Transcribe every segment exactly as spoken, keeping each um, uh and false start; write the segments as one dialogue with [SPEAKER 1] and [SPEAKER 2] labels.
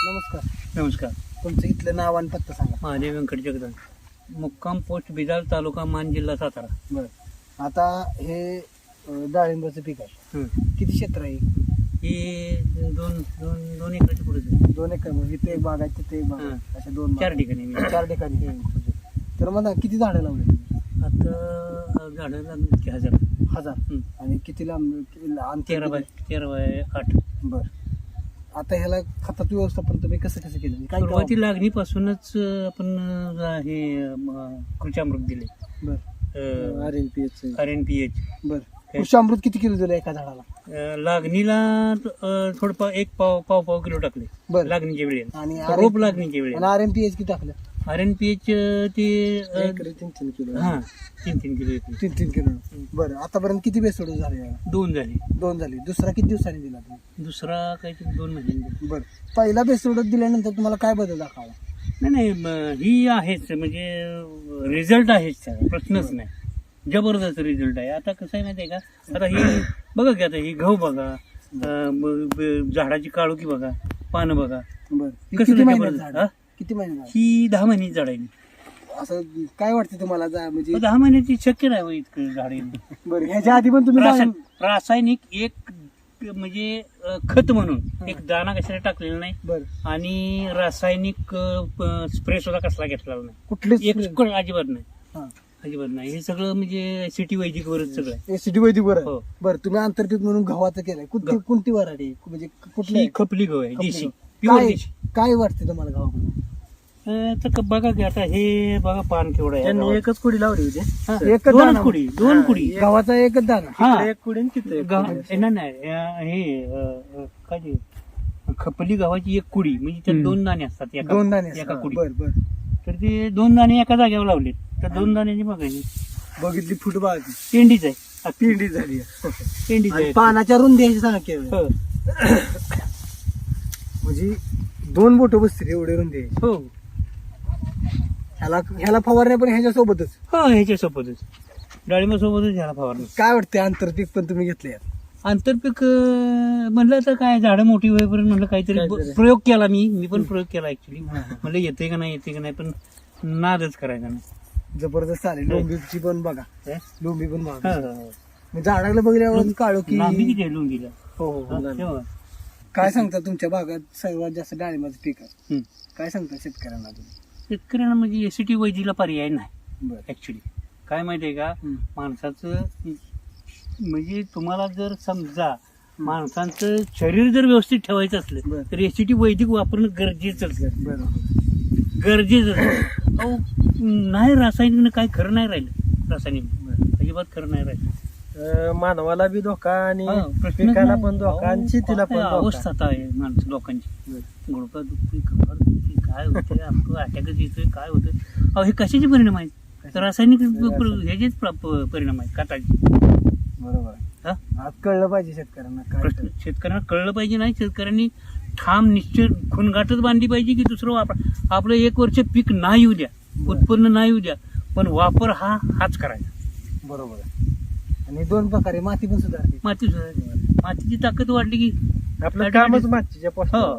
[SPEAKER 1] नमस्कार.
[SPEAKER 2] नमस्कार.
[SPEAKER 1] तुमचं इथलं नाव आणि पत्ता सांगा.
[SPEAKER 2] महादेव व्यंकट जगदान, मुक्काम पोस्ट बिदाल, तालुका मान, जिल्हा सातारा.
[SPEAKER 1] बरं, आता हे अं, डाळिंबाचं पीक आहे.
[SPEAKER 2] हं.
[SPEAKER 1] किती क्षेत्र आहे?
[SPEAKER 2] ही दोन दोन दोन एकराची पुढे जाईल.
[SPEAKER 1] दोन एकर म्हणजे इथे एक बाग आहे तिथे एक बाग आहे.
[SPEAKER 2] हं.
[SPEAKER 1] अशा दोन
[SPEAKER 2] चार
[SPEAKER 1] बागा.
[SPEAKER 2] ठिकाणी मी.
[SPEAKER 1] चार ठिकाणी.
[SPEAKER 2] हं.
[SPEAKER 1] तर मला किती झाडं लावले तुम्ही?
[SPEAKER 2] आता झाडं लागली की हजार.
[SPEAKER 1] हजार.
[SPEAKER 2] हं.
[SPEAKER 1] आणि किती लांब किती अंतर
[SPEAKER 2] तेरा बाय
[SPEAKER 1] किती?
[SPEAKER 2] तेरा बाय आठ.
[SPEAKER 1] बरं. आता ह्याला खताचं व्यवस्थापन तुम्ही कसं कसं केलं? म्हणजे काय
[SPEAKER 2] सुरुवाती लागणीपासूनच अं, आपण अं, हे अं, कृषामृत दिले.
[SPEAKER 1] बरं. R N P H.
[SPEAKER 2] R N P H.
[SPEAKER 1] बरं. कृषामृत किती किलो दिलं एका झाडाला?
[SPEAKER 2] लागणीला अं, थोडं पा- एक पाव पाव पाव किलो टाकले
[SPEAKER 1] बरं.
[SPEAKER 2] लागणीच्या वेळी.
[SPEAKER 1] आणि
[SPEAKER 2] रोप लागणीच्या वेळी.
[SPEAKER 1] आर एन पी एच किती टाकलं?
[SPEAKER 2] आर एन पी एच ते अं,
[SPEAKER 1] एकरी तीन तीन किलो.
[SPEAKER 2] हा तीन तीन किलो येते.
[SPEAKER 1] तीन तीन किलो. बरं, आतापर्यंत किती बेसोड झाले?
[SPEAKER 2] दोन झाले.
[SPEAKER 1] दोन झाली. दुसरा किती दिवसांनी दिला तुम्ही?
[SPEAKER 2] दुसरा काहीतरी दोन महिन्यांनी.
[SPEAKER 1] बरं. पहिला बेसोड दिल्यानंतर तुम्हाला काय बदल दाखवला?
[SPEAKER 2] नाही नाही म- ही आहेच म्हणजे रिझल्ट आहेच त्याचा, प्रश्नच नाही. जबरदस्त रिझल्ट आहे. आता कसं आहे माहिती आहे का, आता ही बघा की आता ही गहू बघा, अं, ब- ब- झाडाची काळोखी बघा, पानं बघा.
[SPEAKER 1] बरं. हे
[SPEAKER 2] कसं
[SPEAKER 1] किती महिन्यात
[SPEAKER 2] जबरदस्त,
[SPEAKER 1] झाड?
[SPEAKER 2] हा?
[SPEAKER 1] किती महिने झाड?
[SPEAKER 2] ही दहा महिन्याची झाड आहे.
[SPEAKER 1] असं काय वाटतं तुम्हाला जा- म्हणजे
[SPEAKER 2] दहा महिन्याची शक्य नाही हो इतकं झाड येणं.
[SPEAKER 1] बरं, ह्याच्या आधी पण तुम्ही
[SPEAKER 2] रासायन-
[SPEAKER 1] डाळिंब-
[SPEAKER 2] रासायनिक एक म्हणजे अं, खत म्हणून एक दाणा कशाला टाकलेला नाही.
[SPEAKER 1] बरं.
[SPEAKER 2] आणि रासायनिक स्प्रे सुद्धा कसला घेतलेला नाही.
[SPEAKER 1] कुठलेच
[SPEAKER 2] एक सुकळ अजिबात नाही.
[SPEAKER 1] हा.
[SPEAKER 2] अजिबात नाही. हे सगळं म्हणजे सिटी वैदिक वरच सगळं आहे.
[SPEAKER 1] एसीडी वैदिक बरं.
[SPEAKER 2] हो.
[SPEAKER 1] बरं, तुम्ही आंतरपीक म्हणून गव्हाचं केलंय. कोणती कोणती वराडी म्हणजे कुठली
[SPEAKER 2] ही खपली गहू आहे, देशी,
[SPEAKER 1] काय
[SPEAKER 2] प्युअर देशी.
[SPEAKER 1] काय वाटतं तुम्हाला गव्हाबद्दल?
[SPEAKER 2] अं, तर क- बघा की आता हे बघा पान केवढं आहे.
[SPEAKER 3] त्यांनी एकच कुडी लावली होती.
[SPEAKER 2] हा,
[SPEAKER 1] एकच
[SPEAKER 2] दोनच
[SPEAKER 1] दाणा.
[SPEAKER 2] कुडी दोन
[SPEAKER 3] हा,
[SPEAKER 2] कुडी.
[SPEAKER 1] गव्हाचा एकच दाना.
[SPEAKER 2] हा
[SPEAKER 3] इकडे एक कुडी आणि तिथे एक
[SPEAKER 2] गव्हा-
[SPEAKER 3] कुडी.
[SPEAKER 2] नाही नाही अं, हे अं, अं, काय ते खपली गव्हाची एक कुडी म्हणजे त्यात
[SPEAKER 3] हम्म.
[SPEAKER 2] दोन दाणे असतात एका
[SPEAKER 1] दोन दाणे
[SPEAKER 2] एका कुडी.
[SPEAKER 1] बरं बरं.
[SPEAKER 2] तर ते दोन दाणे एका जागेवर लावलेत. तर दोन दाण्याची बघायची
[SPEAKER 1] बघितली फुटबॉल
[SPEAKER 2] पेंडीच आहे.
[SPEAKER 1] पिंडी झाली.
[SPEAKER 2] पेंडीच
[SPEAKER 1] आणि
[SPEAKER 2] आहे.
[SPEAKER 1] पानाच्या रुंदी ह्याची सांगा केवळ.
[SPEAKER 2] हो
[SPEAKER 1] म्हणजे दोन बोट बसतील एवढे रुंदी आहे.
[SPEAKER 2] हो
[SPEAKER 1] ह्याला ह्याला फवारण्या पण ह्याच्या सोबतच.
[SPEAKER 2] हो ह्याच्यासोबतच डाळिंबासोबतच ह्याला फवारणी.
[SPEAKER 1] काय वाटतंय आंतरपीक पण तुम्ही घेतले?
[SPEAKER 2] आंतरपीक अं, म्हणलं तर काय झाडं मोठी होईपर्यंत म्हणलं काहीतरी ब-
[SPEAKER 1] काहीतरी.
[SPEAKER 2] प्रयोग केला मी मी पण प्रयोग केला ऍक्च्युली. म्हणलं येते का नाही येते का नाही पण नादच करायचा नाही.
[SPEAKER 1] जबरदस्त आले. लोंबीची पण बघा.
[SPEAKER 2] हे?
[SPEAKER 1] लोंबी पण
[SPEAKER 2] हा,
[SPEAKER 1] बघा.
[SPEAKER 2] हा, हा.
[SPEAKER 1] मी झाडाला बघल्यावर काळो की
[SPEAKER 2] लांबी किती आहे लुंगीला?
[SPEAKER 1] हो हो,
[SPEAKER 2] हा,
[SPEAKER 1] हो.
[SPEAKER 2] हे बघा.
[SPEAKER 1] काय सांगता तुमच्या भागात सर्वात जास्त डाळिंबाचं पीक आहे?
[SPEAKER 2] हम्म.
[SPEAKER 1] काय सांगता शेतकऱ्यांना तुम्ही?
[SPEAKER 2] शेतकऱ्यांना म्हणजे एसीटी वैदिकला पर्याय नाही
[SPEAKER 1] बरं.
[SPEAKER 2] ऍक्च्युली. काय माहितीये का,
[SPEAKER 1] हम्म.
[SPEAKER 2] माणसाचं म्हणजे तुम्हाला जर समजा माणसांचं शरीर जर व्यवस्थित ठेवायचं असलं
[SPEAKER 1] बरं.
[SPEAKER 2] तर एसीटी वैदिक वापरणं गरजेचंच आहे.
[SPEAKER 1] बरोबर.
[SPEAKER 2] गरजेचं आहे. अहो, नाही रासायनिक काय खरं नाही राहिलं. रासायनिक अजिबात खरं नाही राहिलं.
[SPEAKER 3] अं, मानवाला बी धोका आणि
[SPEAKER 2] हा, प्रश्नच
[SPEAKER 3] पिकाला
[SPEAKER 2] नाही.
[SPEAKER 3] पण धोका आणि
[SPEAKER 2] अहो,
[SPEAKER 3] शेतीला पण
[SPEAKER 2] काय
[SPEAKER 3] धोका.
[SPEAKER 2] अवस्था आता आहे माणसं लोकांची. गुडघा दुखतोय, कपाळ दुखतोय, काय होतंय आपलं अटॅकच येतोय, काय होतंय. अहो हे कशाचे परिणाम आहेत? तर रासायनिक ह्याचेच प्र- प- परिणाम आहेत खताचे.
[SPEAKER 1] बरोबर आहे.
[SPEAKER 2] हा?
[SPEAKER 1] आज कळलं पाहिजे शेतकऱ्यांना काय
[SPEAKER 2] प्रश्न शेतकऱ्यांना कळलं पाहिजे. नाही शेतकऱ्यांनी ठाम निश्चित खुणगाठच बांधली पाहिजे की दुसरं वापर आपलं एक वर्ष पीक नाही येऊ द्या, उत्पन्न नाही येऊ द्या, पण वापर हा हाच करायचा.
[SPEAKER 1] बरोबर आहे. आणि दोन प्रकारे माती पण सुधारते.
[SPEAKER 2] माती सुधारली. मातीची ताकद वाढली की
[SPEAKER 3] आपलं कामच मातीच्या
[SPEAKER 2] हो
[SPEAKER 3] पोस्टावर.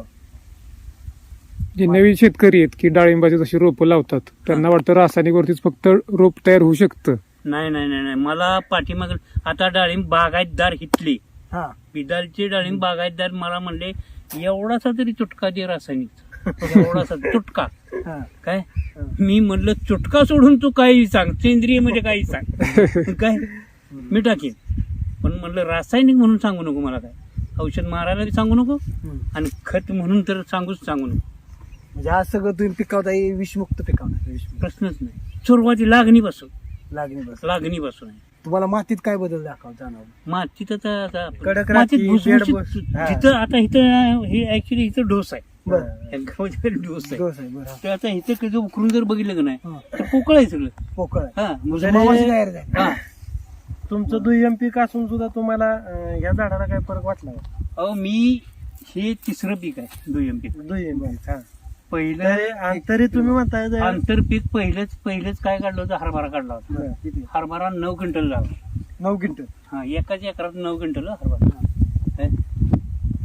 [SPEAKER 4] जे नवीन शेतकरी आहेत की डाळिंबाची जशी रोपं लावतात त्यांना वाटतं रासायनिक वरतीच फक्त रोप तयार होऊ शकतं.
[SPEAKER 2] नाही नाही नाही नाही. मला पाठीमाग आता डाळिंब बागायतदार हितले
[SPEAKER 1] हा.
[SPEAKER 2] बिदालचे डाळिंब बागायतदार मला म्हणले एवढासा तरी चुटका दे रासायनिक. एवढासा चुटका.
[SPEAKER 1] हा.
[SPEAKER 2] काय मी म्हणलं चुटका सोडून तू काही सांग, सेंद्रिय म्हणजे काही सांग. काय मी टाकेन पण म्हणलं रासायनिक म्हणून सांगू नको मला. काय औषध मारायला बी सांगू नको
[SPEAKER 1] हम्म.
[SPEAKER 2] आणि खत म्हणून तर सांगूच सांगू नको.
[SPEAKER 1] म्हणजे आज सगळं तुम्ही पिकावता हे विषमुक्त पिकावता. विषमुक्त
[SPEAKER 2] प्रश्नच नाही. सुरुवाती लागणीपासून
[SPEAKER 1] लागणी बस.
[SPEAKER 2] लागणीपासून आहे.
[SPEAKER 1] तुम्हाला मातीत काय बदल दाखव जाणवलं?
[SPEAKER 2] मातीत आता आता
[SPEAKER 3] कडक
[SPEAKER 2] मातीत
[SPEAKER 3] राखी,
[SPEAKER 2] भुसभुशीत-
[SPEAKER 3] बेड
[SPEAKER 1] हा.
[SPEAKER 2] जिथं आता इथं हे ऍक्च्युली इथं डोस आहे.
[SPEAKER 1] बरं.
[SPEAKER 2] या गावाच्या डोस आहे.
[SPEAKER 1] दोष आहे. बरं.
[SPEAKER 2] तर आता इथं कसं उकरून जर बघितलं का नाही
[SPEAKER 1] हा.
[SPEAKER 2] तर पोकळ आहे सगळं.
[SPEAKER 1] पोकळ आहे.
[SPEAKER 2] हा म्हणजे
[SPEAKER 1] मावाची तयार झाली.
[SPEAKER 2] हा.
[SPEAKER 3] तुमचं दुय्यम पीक असून सुद्धा तुम्हाला अं, या झाडाला काय फरक वाटला का?
[SPEAKER 2] अहो मी हे तिसरं पीक आहे दुय्यम पीक.
[SPEAKER 3] दुय्यम पीक. हा.
[SPEAKER 2] पहिलं
[SPEAKER 3] तरी आणि तरी तुम्ही म्हणताय जे-
[SPEAKER 2] आंतरपीक पहिलेच पहिलेच काय काढलं होतं, हरभरा काढला होता.
[SPEAKER 1] बरं. किती?
[SPEAKER 2] हरभरा नऊ क्विंटल झाला.
[SPEAKER 1] नऊ क्विंटल.
[SPEAKER 2] हा एकाच एकरात नऊ क्विंटल हरभरा. काय?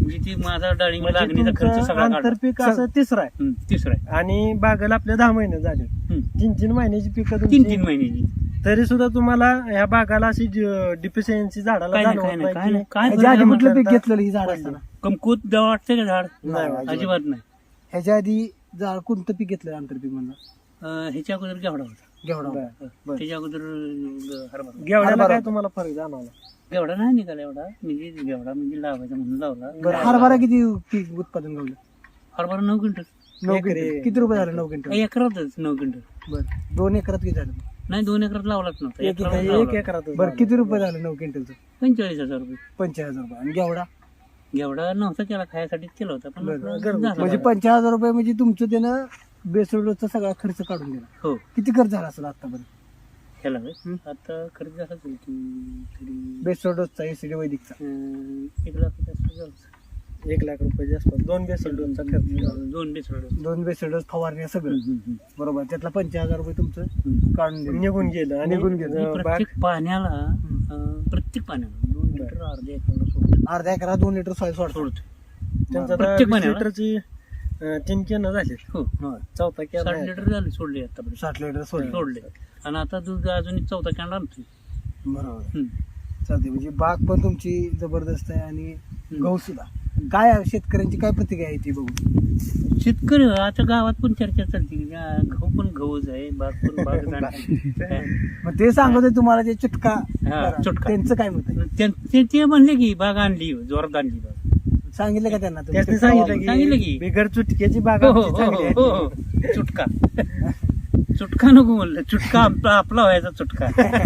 [SPEAKER 2] म्हणजे ती माझा डाळिंब
[SPEAKER 3] म्हणजे
[SPEAKER 2] लागणीचा खर्च
[SPEAKER 3] तुमचं
[SPEAKER 2] सगळा काढला.
[SPEAKER 3] आंतरपीक असं तिसरं आहे
[SPEAKER 2] हम्म, तिसरा आहे.
[SPEAKER 3] आणि बागेला आपल्या दहा महिने झाले
[SPEAKER 2] हम्म.
[SPEAKER 3] तीन तीन महिन्याची पिकं
[SPEAKER 2] तीन
[SPEAKER 3] तुमची
[SPEAKER 2] तीन महिन्याची
[SPEAKER 3] तरी सुद्धा तुम्हाला ह्या बागाला अशी डिफिशियन्सी झाडाला
[SPEAKER 2] काय नाही
[SPEAKER 3] जाणवत
[SPEAKER 2] काय नाही काय
[SPEAKER 3] नाही
[SPEAKER 2] नाही
[SPEAKER 3] की
[SPEAKER 2] काय
[SPEAKER 1] ह्याच्या आधी
[SPEAKER 2] बरं
[SPEAKER 1] कुठलं
[SPEAKER 2] झालं?
[SPEAKER 1] पीक घेतलेलं ही झाड असताना
[SPEAKER 2] कमकुत दवा वाटते का झाड
[SPEAKER 3] नाही, अजिबात.
[SPEAKER 2] अजिबात नाही.
[SPEAKER 1] ह्याच्या आधी झाड कोणतं पीक घेतलं आंतरपीक म्हणलं
[SPEAKER 2] अं, ह्याच्या अगोदर घेवडा होता.
[SPEAKER 1] घेवडा
[SPEAKER 3] बरं.
[SPEAKER 1] बरं.
[SPEAKER 2] त्याच्या अगोदर अं, हरभरा.
[SPEAKER 3] गेवड्याला
[SPEAKER 1] हरभरा.
[SPEAKER 3] काय तुम्हाला फरक जाणवला
[SPEAKER 2] घेवडा नाही निघाला एवढा म्हणजे घेवडा म्हणजे लावायचा म्हणून लावला.
[SPEAKER 1] बरं हरभरा किती पीक उत्पादन गावलं
[SPEAKER 2] हरभरा नऊ क्विंटल
[SPEAKER 1] नऊ
[SPEAKER 3] एकरी.
[SPEAKER 1] क्विंटल किती रुपये झाले नऊ क्विंटल
[SPEAKER 2] एकरातच नऊ क्विंटल.
[SPEAKER 1] बरं दोन एकरात किती झालं
[SPEAKER 2] नाही दोन एकरात लावलाच नव्हता.
[SPEAKER 1] एक
[SPEAKER 2] एकरात
[SPEAKER 1] एकर-
[SPEAKER 3] एक
[SPEAKER 2] लावला.
[SPEAKER 3] एकरात
[SPEAKER 1] बरं किती रुपये झाले नऊ क्विंटलचं
[SPEAKER 2] पंचेचाळीस हजार रुपये.
[SPEAKER 1] पंचेचाळीस रुपये आणि घेवडा
[SPEAKER 2] घेवडा नव्हता केला खायसाठीच केला होता पण
[SPEAKER 1] बरं.
[SPEAKER 2] आपला
[SPEAKER 3] घरगुती.
[SPEAKER 2] झाला.
[SPEAKER 1] म्हणजे पंचेचाळीस हजार रुपये म्हणजे तुमचं त्यानं बेसोडचा सगळा खर्च काढून दिला
[SPEAKER 2] हो
[SPEAKER 1] किती खर्च झाला असेल आतापर्यंत
[SPEAKER 2] ह्याला होय.
[SPEAKER 1] हम्म.
[SPEAKER 2] आता खर्च झाला असेल की तरी
[SPEAKER 1] बेसोडचा एसीडी वैदिकचा
[SPEAKER 2] अं, एक लाख जास्त झालं.
[SPEAKER 3] एक लाख रुपये जास्त दोन बेसल डोनचा खर्च झाला.
[SPEAKER 2] दोन बेसळ
[SPEAKER 1] दोन बेसोडस फवारण्या सगळं बरोबर त्यातला पंचेचाळीस हजार रुपये तुमचं काढून दिले
[SPEAKER 3] निघून गेलं आणि
[SPEAKER 1] निघून गेलं.
[SPEAKER 3] अं, बाग
[SPEAKER 2] प्रत्येक पाण्याला अं, प्रत्येक पाण्याला दोन लिटर अर्ध्या एकरला सोडतो
[SPEAKER 1] अर्ध्या एकरात दोन लिटर सॉईल सोडतो
[SPEAKER 2] सोडतो
[SPEAKER 3] त्यांचं आता
[SPEAKER 2] प्रत्येक
[SPEAKER 3] वीस
[SPEAKER 2] महिन्याला?
[SPEAKER 3] लिटरची अं, तीन कॅन झाले
[SPEAKER 2] हो
[SPEAKER 3] चौथा कॅन
[SPEAKER 2] साठ
[SPEAKER 3] आहे.
[SPEAKER 2] लिटर झाले सोडले आतापर्यंत
[SPEAKER 1] साठ लिटर सोडले
[SPEAKER 2] सोडले आणि आता दूध अजून एक चौथा कॅन्ड आणतोय.
[SPEAKER 1] बरोबर
[SPEAKER 2] हम्म.
[SPEAKER 1] चालते म्हणजे बाग पण तुमची जबरदस्त आहे आणि
[SPEAKER 2] हम्म.
[SPEAKER 1] गहू सुद्धा काय आहे, शेतकऱ्यांची काय प्रतिक्रिया आहे ती बघू
[SPEAKER 2] शेतकरी आता गावात पण चर्चा चालते की या गहू पण गहूच आहे बाग पण बाग आहे.
[SPEAKER 1] मग ते सांगत आहे तुम्हाला जे चुटका
[SPEAKER 2] हा,
[SPEAKER 1] करा.
[SPEAKER 2] चुटका.
[SPEAKER 1] त्यांचं काय मत आहे
[SPEAKER 2] त्यां- ते ते म्हणले की बाग आणली जोरात आणली बाग.
[SPEAKER 1] सांगितलं का त्यांना तुम्ही?
[SPEAKER 3] त्यासनी सांगितलं
[SPEAKER 2] सांगितलं
[SPEAKER 3] की
[SPEAKER 2] की.
[SPEAKER 3] बिगर चुटक्याची बाग
[SPEAKER 2] हो हो
[SPEAKER 3] आमची
[SPEAKER 2] हो
[SPEAKER 3] चांगली आहे.
[SPEAKER 2] हो हो चुटका चुटका नको म्हणलं चुटका आपला आपला व्हायचा चुटका.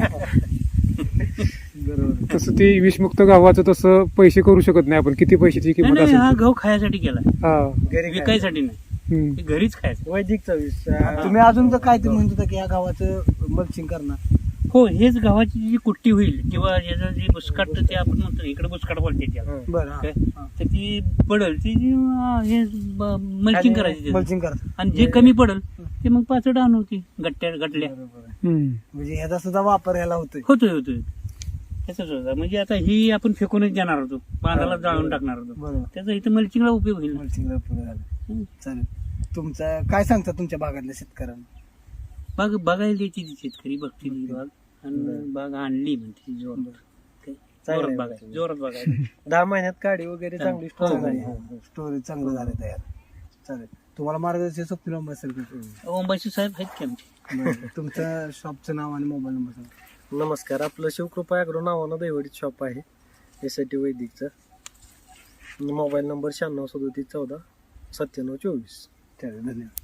[SPEAKER 1] बरोबर
[SPEAKER 4] तसं ते विषमुक्त गावाचं तसं पैसे करू शकत नाही आपण किती पैशाची
[SPEAKER 2] नाही
[SPEAKER 4] किंमत
[SPEAKER 2] नाही,
[SPEAKER 4] असेल
[SPEAKER 2] हा
[SPEAKER 4] ती.
[SPEAKER 2] गहू खायसाठी केला
[SPEAKER 4] हा
[SPEAKER 3] घरी काय?
[SPEAKER 2] विकायसाठी नाही
[SPEAKER 4] हम्म.
[SPEAKER 2] ते घरीच खायचं.
[SPEAKER 3] वैदिकचा वीस
[SPEAKER 1] तुम्ही अजून तर काय ते म्हणत होता की या गावाचं मल्चिंग करणार
[SPEAKER 2] हो हेच गव्हाची जी कुट्टी होईल किंवा याचं जे बुसकाट ते आपण म्हणतो इकडे बुसकाट बोलते त्याला
[SPEAKER 1] बरं हा.
[SPEAKER 2] काय? तर ती पडल ती जी, अं, हे मल्चिंग करायची त्याचं.
[SPEAKER 1] मल्चिंग करतात
[SPEAKER 2] आणि जे कमी पडल ते मग पाचड आणू होती गट्ट्या गटल्या
[SPEAKER 4] हम्म.
[SPEAKER 1] म्हणजे ह्याचा सुद्धा वापर ह्याला होतोय
[SPEAKER 2] होतोय होतोय त्याचाच होता म्हणजे आता ही आपण फेकूनच देणार होतो बांधाला जाळून टाकणार होतो
[SPEAKER 1] बरोबर
[SPEAKER 2] त्याचा इथं मल्चिंगला उपयोग होईल.
[SPEAKER 1] मल्चिंगला पुढे झालं
[SPEAKER 2] हम्म.
[SPEAKER 1] चालेल तुमचं काय सांगता तुमच्या भागातल्या शेतकऱ्यांना
[SPEAKER 2] बाग बघायला द्यायची ती शेतकरी बघते ती बाग आणि बाग आणली म्हणते ती जोरात काय?
[SPEAKER 3] चांगलं
[SPEAKER 2] जोरात
[SPEAKER 3] आहे.
[SPEAKER 2] बघायचं जोरात बघायचं.
[SPEAKER 3] दहा महिन्यात काढी वगैरे चांगली
[SPEAKER 2] हो,
[SPEAKER 3] स्टोर
[SPEAKER 2] हो,
[SPEAKER 3] झाली
[SPEAKER 2] हो.
[SPEAKER 1] स्टोरेज चांगलं झालं तयार चालेल तुम्हाला मार्गदर्शन स्वप्न असेल का?
[SPEAKER 2] ओंबाशी साहेब आहेत की आमचे.
[SPEAKER 1] बरं. तुमचं शॉपचं नाव आणि मोबाईल नंबर सांगा.
[SPEAKER 3] नमस्कार आपलं शिवकृपा अॅग्रो नावानं दैवडीत शॉप आहे एस आय टी वैदिकचं मोबाईल नंबर शहाण्णव सदोतीस चौदा सत्त्याण्णव चोवीस
[SPEAKER 1] चालेल धन्यवाद